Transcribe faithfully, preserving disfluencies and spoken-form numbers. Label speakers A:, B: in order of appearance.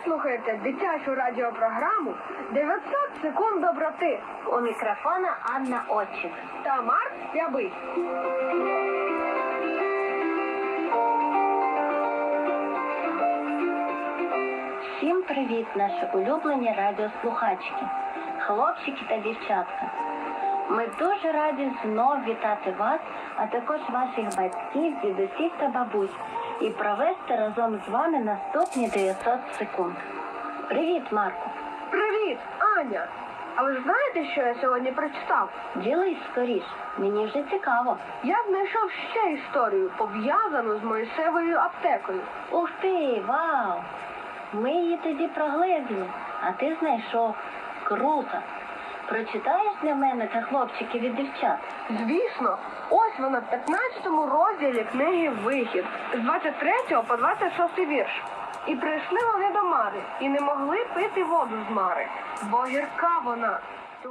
A: слухаєте дитячу радіопрограму дев'ятсот секунд доброти.
B: У мікрофона Анна Отчик
A: та Марк Рябий.
B: Всім привіт, наші улюблені радіослухачки, хлопчики та дівчатка. Ми дуже раді знов вітати вас, а також ваших батьків, дідусів та бабусь і провести разом з вами наступні дев'ятсот секунд. Привіт, Марку.
A: Привіт, Аня. А ви ж знаєте, що я сьогодні прочитав?
B: Ділись скоріш, мені вже цікаво.
A: Я знайшов ще історію, пов'язану з Мойсевою аптекою.
B: Ух ти, вау! Ми її тоді прогледіли, а ти знайшов. Круто! Прочитаєш для мене та хлопчиків і дівчат?
A: Звісно, ось вона в п'ятнадцятому розділі книги «Вихід» з двадцять третього по двадцять шостий вірш. І прийшли вони до Мари, і не могли пити воду з Мари, бо гірка вона.